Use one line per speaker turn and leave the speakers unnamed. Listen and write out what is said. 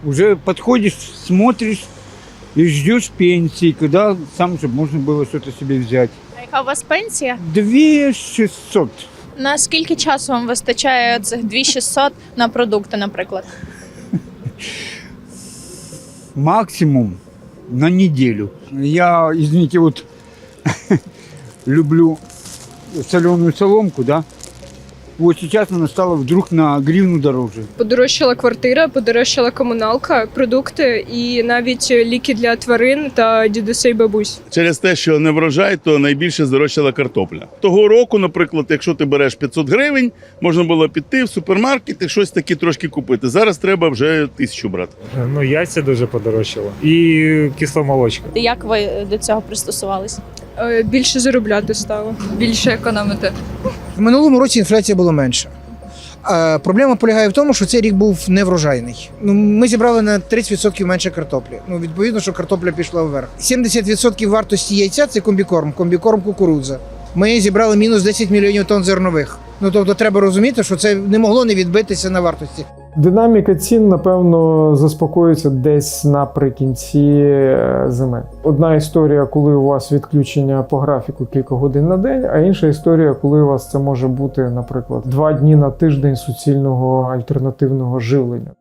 Уже подходишь, смотришь и ждешь пенсии, когда сам, чтобы можно было что-то себе взять.
А яка у вас пенсія?
2600.
На скільки часу вам вистачає цих 2600 на продукти, наприклад?
Максимум на неделю. Я, извините, вот люблю соленую соломку, да. Вот сейчас она стала вдруг на гривну дороже.
Подорожчала квартира, подорожчала комуналка, продукти і навіть ліки для тварин та дідусей бабусь.
Через те, що не врожай, то найбільше здорожчала картопля. Того року, наприклад, якщо ти береш 500 гривень, можна було піти в супермаркет і щось таке трошки купити. Зараз треба вже 1000 брати.
Ну, яйця дуже подорожчало. І кисломолочка.
Як ви до цього пристосувалися?
Більше заробляти стало.
Більше економити.
В минулому році інфляція була менша. Проблема полягає в тому, що цей рік був неврожайний. Ми зібрали на 30% менше картоплі. Відповідно, що картопля пішла вверх. 70% вартості яйця – це комбікорм кукурудза. Ми зібрали мінус 10 мільйонів тонн зернових. Тобто треба розуміти, що це не могло не відбитися на вартості.
Динаміка цін, напевно, заспокоїться десь наприкінці зими. Одна історія, коли у вас відключення по графіку кілька годин на день, а інша історія, коли у вас це може бути, наприклад, 2 дні на тиждень суцільного альтернативного живлення.